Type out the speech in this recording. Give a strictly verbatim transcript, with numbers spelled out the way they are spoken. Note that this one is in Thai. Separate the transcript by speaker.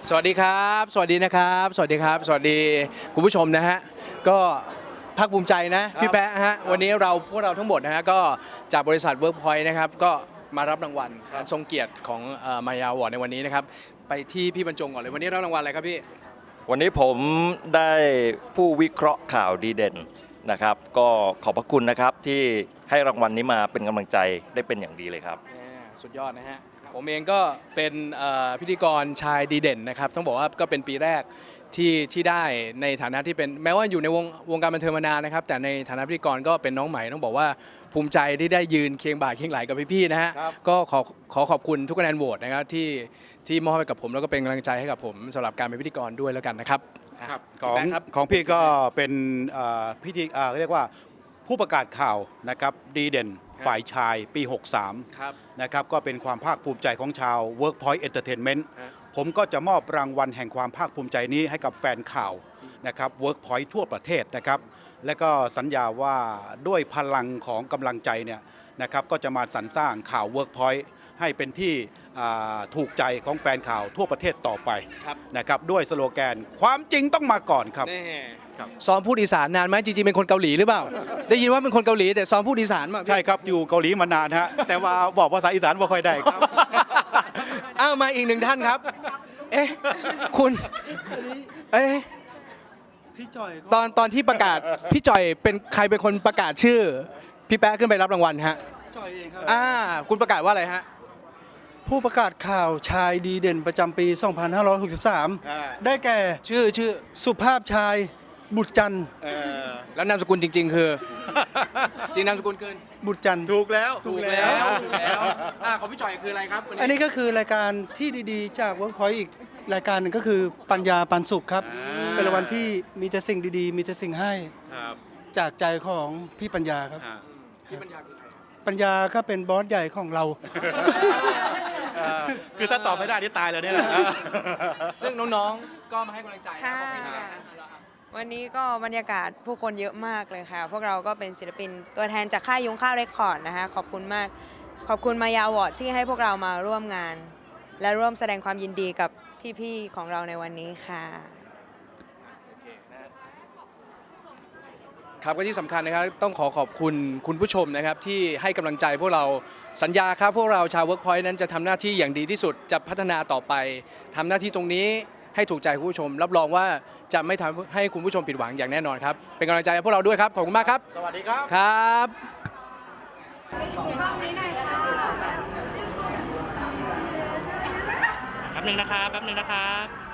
Speaker 1: สวัสดีครับสวัสดีนะครับสวัสดีครับสวัสดีคุณผู้ชมนะฮะก็ภาคภูมิใจนะพี่แป๊ะฮะวันนี้เราพวกเราทั้งหมดนะฮะก็จากบริษัท Workpoint นะครับก็มารับรางวัลทรงเกียรติของมายาวอร์ดในวันนี้นะครับไปที่พี่บรรจงก่อนเลยวันนี้รับรางวัลอะไรครับพี่
Speaker 2: วันนี้ผมได้ผู้วิเคราะห์ข่าวดีเด่นนะครับก็ขอบพระคุณนะครับที่ให้รางวัลนี้มาเป็นกำลังใจได้เป็นอย่างดีเลยครับ
Speaker 1: สุดยอดนะฮะผมเองก็เป็นพิธีกรชายดีเด่นนะครับต้องบอกว่าก็เป็นปีแรกที่ที่ได้ในฐานะที่เป็นแม้ว่าอยู่ในวงวงการบันเทิงมานานนะครับแต่ในฐานะพิธีกรก็เป็นน้องใหม่ต้องบอกว่าภูมิใจที่ได้ยืนเคียงบ่าเคียงไหลกับพี่ๆนะฮะก็ขอขอขอบคุณทุกคะแนนโหวตนะครับที่ที่มอบให้กับผมแล้วก็เป็นกำลังใจให้กับผมสำหรับการเป็นพิธีกรด้วยแล้วกันนะครับ
Speaker 3: ครับของของพี่ก็เป็นพิธีเรียกว่าผู้ประกาศข่าวนะครับดีเด่นฝ่ายชายปีหกสามนะครับก็เป็นความภาคภูมิใจของชาว Workpoint Entertainment ผมก็จะมอบรางวัลแห่งความภาคภูมิใจนี้ให้กับแฟนข่าวนะครับ Workpoint ทั่วประเทศนะครับและก็สัญญาว่าด้วยพลังของกำลังใจเนี่ยนะครับก็จะมาสรรสร้างข่าว Workpoint ให้เป็นที่ถูกใจของแฟนข่าวทั่วประเทศต่อไปนะครับด้วยสโลแกนความจริงต้องมาก่อนครับ
Speaker 1: ซ้อมพูดอีสานนานไหมจริงๆเป็นคนเกาหลีหรือเปล่าได้ยินว่าเป็นคนเกาหลีแต่ซ้อมพูดอีสานมา
Speaker 3: ใช่ครับอยู่เกาหลีมานานฮะแต่ว่าบอกภาษาอีสานไม่ค่อยได้ครับ
Speaker 1: อ้าวมาอีกหนึ่งท่านครับเอ๊ะคุณเอ๊ะ
Speaker 4: พี่จ่อย
Speaker 1: ตอนตอนที่ประกาศพี่จ่อยเป็นใครเป็นคนประกาศชื่อพี่แป๊ะขึ้นไปรับรางวัลฮะ
Speaker 4: จ่อยเองครับ
Speaker 1: อ่าคุณประกาศว่าอะไรฮะ
Speaker 4: ผู้ประกาศข่าวชายดีเด่นประจำปี สองพันห้าร้อยหกสิบสาม ได้แก่
Speaker 1: ชื่อชื่อ
Speaker 4: สุภาพชายบุตรจันทร์
Speaker 1: แล้วนามสกุลจริงๆคือจริงนามสกุลคือ
Speaker 4: บุตรจันทร์
Speaker 3: ถูกแล้ว
Speaker 1: ถูกแล้วถูกแล้วอ่าของพี่จ่อยคืออะไรครับ
Speaker 4: อันนี้ก็คือรายการที่ดีๆจาก Workpoint อีกรายการหนึ่งก็คือปัญญาปันสุขครับเป็นรางวัลที่มีแต่สิ่งดีๆมีแต่สิ่งให้จากใจของพี่ปัญญาครับ
Speaker 1: พี่ปัญญาคือใคร
Speaker 4: ปัญญาก็เป็นบอสใหญ่ของเรา
Speaker 3: คือถ้าตอบไม่ได้นี่ตายเลยเนี่ย
Speaker 1: ซึ่งน้องๆก็มาให้กำลังใจ
Speaker 5: ค่ะวันนี้ก็บรรยากาศผู้คนเยอะมากเลยค่ะพวกเราก็เป็นศิลปินตัวแทนจากค่ายยุ้งข้าวเรคคอร์ดนะคะขอบคุณมากขอบคุณมายาอวอร์ดที่ให้พวกเรามาร่วมงานและร่วมแสดงความยินดีกับพี่ๆของเราในวันนี้ค่ะ
Speaker 1: ครับก็ที่สำคัญนะครับต้องขอขอบคุณคุณผู้ชมนะครับที่ให้กำลังใจพวกเราสัญญาครับพวกเราชาว Workpoint นั้นจะทำหน้าที่อย่างดีที่สุดจะพัฒนาต่อไปทำหน้าที่ตรงนี้ให้ถูกใจคุณผู้ชมรับรองว่าจะไม่ทำให้คุณผู้ชมผิดหวังอย่างแน่นอนครับเป็นกำลังใจให้พวกเราด้วยครับขอบคุณมากครับ
Speaker 3: สวัสดีครับ
Speaker 1: ครับ
Speaker 6: แป๊บนึงนะครับแป๊บนึงนะครับ